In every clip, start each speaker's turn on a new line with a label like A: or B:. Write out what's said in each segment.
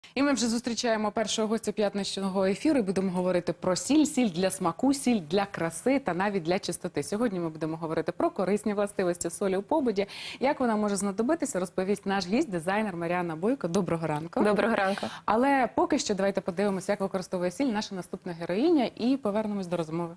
A: І ми вже зустрічаємо першого гостя п'ятничного ефіру і будемо говорити про сіль, сіль для смаку, сіль для краси та навіть для чистоти. Сьогодні ми будемо говорити про корисні властивості солі у побуті. Як вона може знадобитися, розповість наш гість, дизайнер Маріанна Бойко. Доброго ранку.
B: Доброго ранку.
A: Але поки що давайте подивимося, як використовує сіль наша наступна героїня і повернемось до розмови.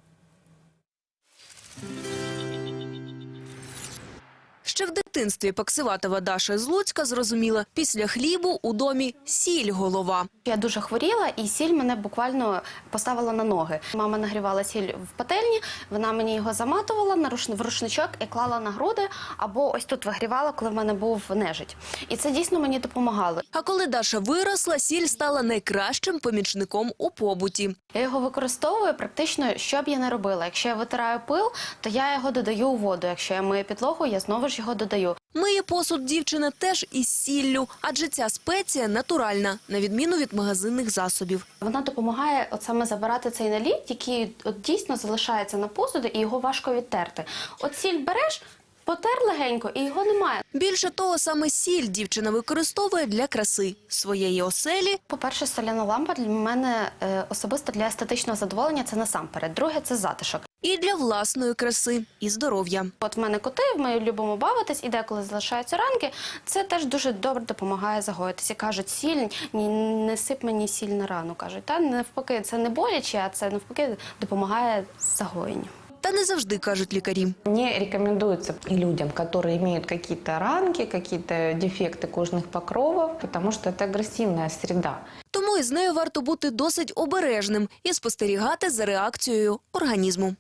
C: Ще в дитинстві Паксиватова Даша з Луцька зрозуміла, після хлібу у домі сіль голова.
D: Я дуже хворіла, і сіль мене буквально поставила на ноги. Мама нагрівала сіль в пательні, вона мені його заматувала в рушничок і клала на груди, або ось тут вигрівала, коли в мене був нежить. І це дійсно мені допомагало.
C: А коли Даша виросла, сіль стала найкращим помічником у побуті.
D: Я його використовую практично, що б я не робила. Якщо я витираю пил, то я його додаю у воду. Якщо я мию підлогу, я знову ж його додаю.
C: Миє посуд дівчина теж із сіллю, адже ця спеція натуральна, на відміну від магазинних засобів.
D: Вона допомагає от саме забирати цей наліт, який от дійсно залишається на посуді, і його важко відтерти. От сіль береш, потер легенько, і його немає.
C: Більше того, саме сіль дівчина використовує для краси своєї оселі.
D: По-перше, соляна лампа для мене особисто для естетичного задоволення – це насамперед. Друге – це затишок.
C: І для власної краси, і здоров'я.
D: От в мене коти, ми любимо бавитись, і деколи залишаються ранки. Це теж дуже добре допомагає загоїтися. Кажуть, сіль, не сип мені сіль на рану. Кажуть, та навпаки, це не боляче, а це навпаки допомагає загоєнню.
C: Та не завжди, кажуть лікарі.
E: Не рекомендуется и людям, которые имеют какие-то ранки, какие-то дефекты кожных покровов, потому что это агрессивная среда.
C: Тому із нею варто бути досить обережним і спостерігати за реакцією організму.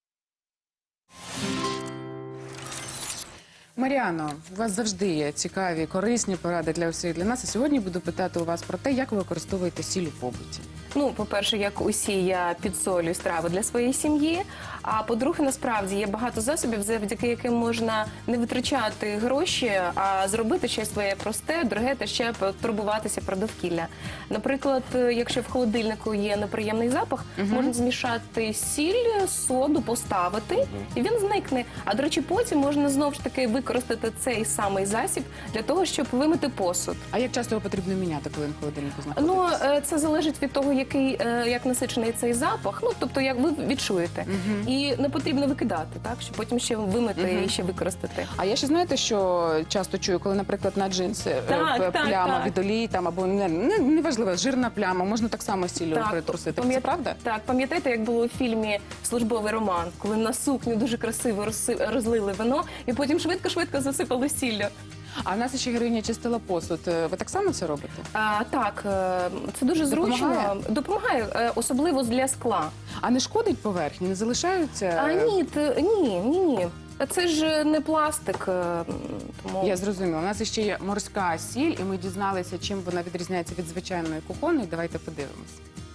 A: Маріано, у вас завжди є цікаві, корисні поради для усіх для нас. І сьогодні буду питати у вас про те, як ви використовуєте сіль у побуті.
B: Ну, по-перше, як усі, я підсолюю страви для своєї сім'ї. А по-друге, насправді, є багато засобів, завдяки яким можна не витрачати гроші, а зробити щось своє просте, дороге та ще турбуватися про довкілля. Наприклад, якщо в холодильнику є неприємний запах, можна змішати сіль, соду, поставити, і він зникне. А, до речі, потім можна знову ж таки використати цей самий засіб для того, щоб вимити посуд.
A: А як часто його потрібно міняти, коли він в холодильнику знаходиться?
B: Ну, це залежить від того, як насичений цей запах, ну, тобто, як ви відчуєте. І не потрібно викидати, так, щоб потім ще вимити і ще використати.
A: А я ще, знаєте, що часто чую, коли, наприклад, на джинси пляма від олії, там, або неважливо, жирна пляма, можна так само сіллю притрусити. Це правда?
B: Так, пам'ятаєте, як було у фільмі «Службовий роман», коли на сукню дуже красиво розлили вино і потім швидко-швидко засипали сіллю.
A: А в нас ще героїня чистила посуд. Ви так само це робите?
B: Так, це дуже зручно. Допомагає, особливо для скла.
A: А не шкодить поверхні? Не залишаються?
B: Ні. Це ж не пластик. Тому...
A: Я зрозуміла. У нас ще є морська сіль, і ми дізналися, чим вона відрізняється від звичайної кухонної. Давайте подивимось.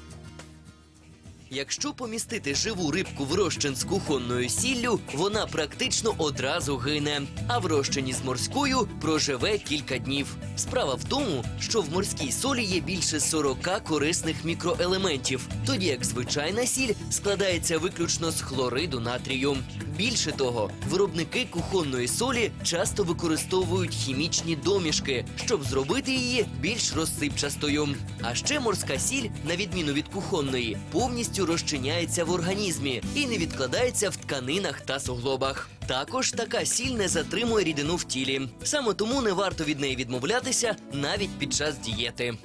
F: Якщо помістити живу рибку в розчин з кухонною сіллю, вона практично одразу гине, а в розчині з морською проживе кілька днів. Справа в тому, що в морській солі є більше 40 корисних мікроелементів, тоді як звичайна сіль складається виключно з хлориду натрію. Більше того, виробники кухонної солі часто використовують хімічні домішки, щоб зробити її більш розсипчастою. А ще морська сіль, на відміну від кухонної, повністю розчиняється в організмі і не відкладається в тканинах та суглобах. Також така сіль не затримує рідину в тілі. Саме тому не варто від неї відмовлятися навіть під час дієти.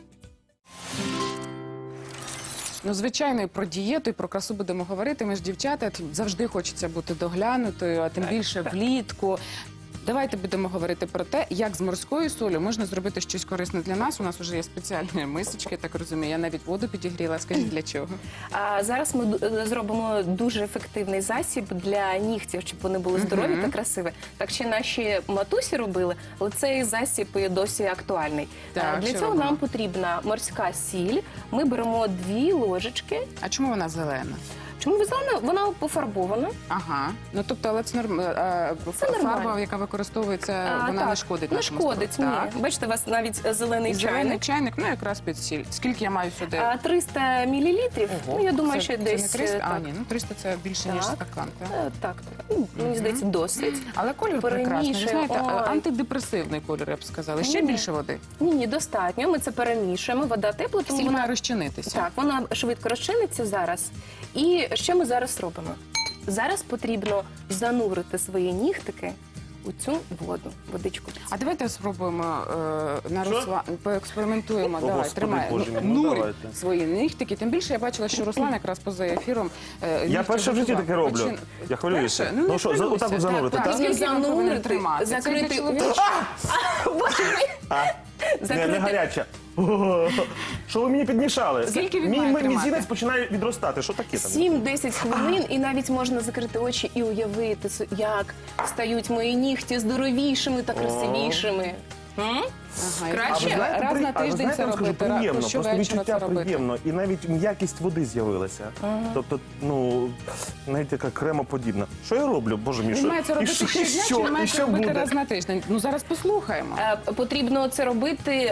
A: Ну, звичайно, і про дієту, і про красу будемо говорити. Ми ж дівчата, завжди хочеться бути доглянутою, а тим більше влітку. Давайте будемо говорити про те, як з морською солью можна зробити щось корисне для нас. У нас вже є спеціальні мисочки, так розумію. Я навіть воду підігріла. Скажіть, для чого?
B: Зараз ми зробимо дуже ефективний засіб для нігтів, щоб вони були здорові та красиві. Так ще наші матусі робили, але цей засіб і досі актуальний.
A: Так,
B: для цього нам потрібна морська сіль. Ми беремо 2 ложечки.
A: А чому вона зелена?
B: Чому зелена? Вона пофарбована.
A: Ага. Ну тобто, але це фарба,
B: нормально.
A: яка використовується, вона
B: так,
A: не шкодить
B: не
A: нашому
B: шкодить,
A: здоров'ю.
B: ні.
A: Так.
B: Бачите, у вас навіть зелений
A: І зелений
B: чайник.
A: чайник, ну якраз під сіль. Скільки я маю сюди?
B: 300 мілілітрів. Ну, я думаю, що
A: це
B: десь...
A: не 300?
B: так.
A: Ні, ну 300 це більше, ніж
B: Так.
A: стакан. Так?
B: Так. Ну, мені здається, досить.
A: Але колір прекрасний. Ви
B: Перемішуємо.
A: знаєте,
B: Ой.
A: антидепресивний колір, я б сказала. Ще
B: Ні.
A: більше води.
B: Ні, достатньо. Ми це перемішуємо. Вода тепла, тому
A: Сіль
B: вона...
A: має розчинитися.
B: Так, вона швидко розчиниться зараз. І що ми зараз робимо? Зараз потрібно занурити свої нігтики у цю водичку.
A: А давайте спробуємо на Руслан, поекспериментуємо.
G: О,
A: Давай,
G: Господи,
A: тримай.
G: Боже мій, ну,
A: Нурь
G: давайте.
A: свої нігтики. Тим більше я бачила, що Руслан якраз поза ефіром.
G: Я перше в житті таке роблю. Я хвилююся.
A: Перше? Ну, не
G: що,
A: хвилюйся.
G: отак от занурити, так?
B: Потрібно
A: Скільки він повинен
B: занурити,
A: тримати? Це
B: закрити
A: для чоловічого?
B: Боже мій!
G: Не гаряча. О, що ви мені підмішали?
A: Скільки він
G: Мій
A: має тримати?
G: мізинець починає відростати. Що таке там?
B: 7-10 хвилин, і навіть можна закрити очі і уявити, як стають мої нігті здоровішими та красивішими.
A: Ага,
B: Краще?
A: раз на
G: а ви
A: тиждень
G: знаєте,
A: це
G: вам скажу,
A: робити,
G: приємно,
A: то
G: просто
A: щовечора
G: відчуття
A: це робити.
G: приємно. І навіть м'якість води з'явилася. Тобто, ну, навіть така кремоподібна. Що я роблю, Боже мій?
A: Він
G: що-
A: має це робити
G: і що-
A: щодня, чи він має
G: і
A: це
G: що
A: робити
G: буде?
A: раз на тиждень? Ну зараз послухаємо.
B: Потрібно це робити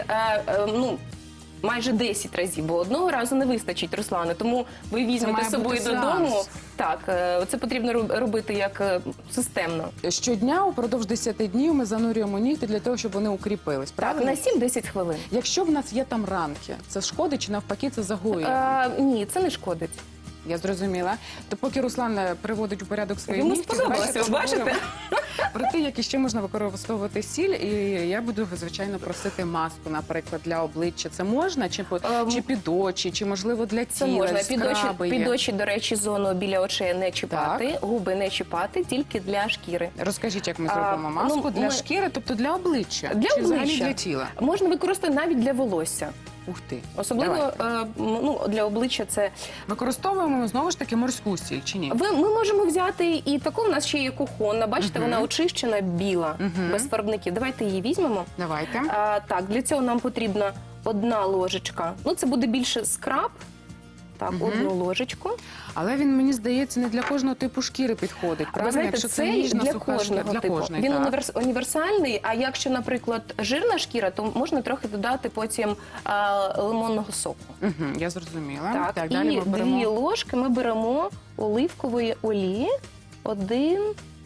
B: майже 10 разів, бо одного разу не вистачить, Руслане. Тому ви візьмете
A: має
B: з собою
A: бути
B: додому.
A: сеанс.
B: Так, це потрібно робити як системно.
A: Щодня упродовж 10 днів ми занурюємо нігті для того, щоб вони укріпились.
B: Так,
A: Правильно?
B: на 7-10 хвилин.
A: Якщо в нас є там ранки, це шкодить чи навпаки це загоює?
B: Ні, це не шкодить.
A: Я зрозуміла. То поки Руслан приводить у порядок свої
B: Йому
A: нігті,
B: сподобалося,
A: давайте
B: ви бачите?
A: поговоримо про те, як іще можна використовувати сіль. І я буду, звичайно, просити маску, наприклад, для обличчя. Це можна? Чи під очі, чи, можливо, для
B: Це
A: тіла?
B: можна.
A: Скраби є.
B: Під очі, до речі, зону біля очей не чіпати, губи не чіпати, тільки для шкіри.
A: Розкажіть, як ми зробимо маску
B: ну,
A: для
B: ми-
A: шкіри, тобто для обличчя?
B: Для
A: чи взагалі
B: обличчя.
A: для тіла?
B: Можна використати навіть для волосся.
A: Ух ти.
B: Особливо
A: Давай.
B: для обличчя це.
A: Використовуємо, знову ж таки, морську сіль, чи ні?
B: Ми можемо взяти і таку, у нас ще є кухонна. Бачите, вона очищена, біла, без фарбників. Давайте її візьмемо.
A: Давайте.
B: Так, для цього нам потрібна 1 ложечка. Ну, це буде більше скраб. Так, 1 ложечку.
A: Але він, мені здається, не для кожного типу шкіри підходить.
B: Ви
A: Правильно?
B: знаєте,
A: Якщо
B: це
A: ніжна,
B: для
A: суха шкіра,
B: кожного
A: для
B: типу.
A: кожної,
B: Він
A: так.
B: універсальний, а якщо, наприклад, жирна шкіра, то можна трохи додати потім лимонного соку.
A: Я зрозуміла.
B: Так,
A: далі
B: і
A: ми беремо.
B: 2 ложки ми беремо оливкової олії. 1,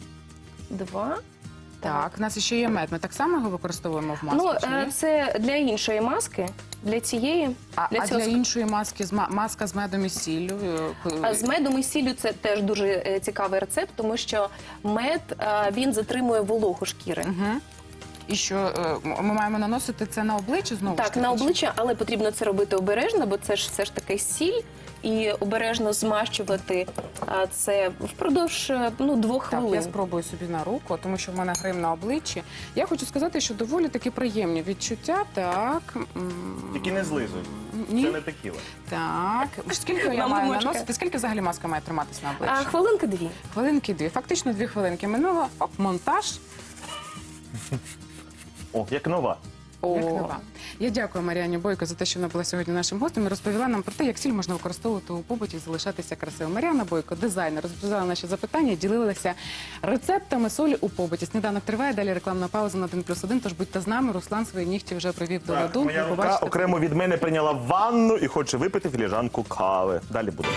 B: 2.
A: Так, у нас ще є мед. Ми так само його використовуємо в маску, чи ні?
B: Це для іншої маски, для цієї.
A: А
B: цього
A: для іншої маски маска з медом і сіллю?
B: А з медом і сіллю це теж дуже цікавий рецепт, тому що мед він затримує вологу шкіри.
A: І що, ми маємо наносити це на обличчя знову? ж
B: Так,
A: таки,
B: на
A: чи-
B: обличчя, але потрібно це робити обережно, бо це ж все ж таки сіль, і обережно змащувати це впродовж 2
A: Так,
B: хвилин.
A: я спробую собі на руку, тому що в мене грим на обличчі. Я хочу сказати, що доволі таки приємні відчуття. Так.
G: Тільки не злизуй.
A: Ні?
G: Це не текіла.
A: Так. Скільки я
B: Мама
A: маю
B: мочка.
A: наносити? Скільки взагалі маска має триматись на обличчі?
B: Хвилинки 2.
A: Хвилинки 2. Фактично 2 хвилинки минуло. Оп, монтаж.
G: О, як нова.
A: Як нова. Я дякую Мар'яні Бойко за те, що вона була сьогодні нашим гостем і розповіла нам про те, як сіль можна використовувати у побуті і залишатися красивим. Мар'яна Бойко, дизайнер, розповідала наші запитання, ділилася рецептами солі у побуті. Сніданок триває, далі рекламна пауза на 1+1, тож будьте з нами. Руслан свої нігті вже привів до ладу.
G: Моя
A: Ви
G: рука
A: побачите.
G: окремо від мене прийняла ванну і хоче випити філіжанку кави. Далі буде.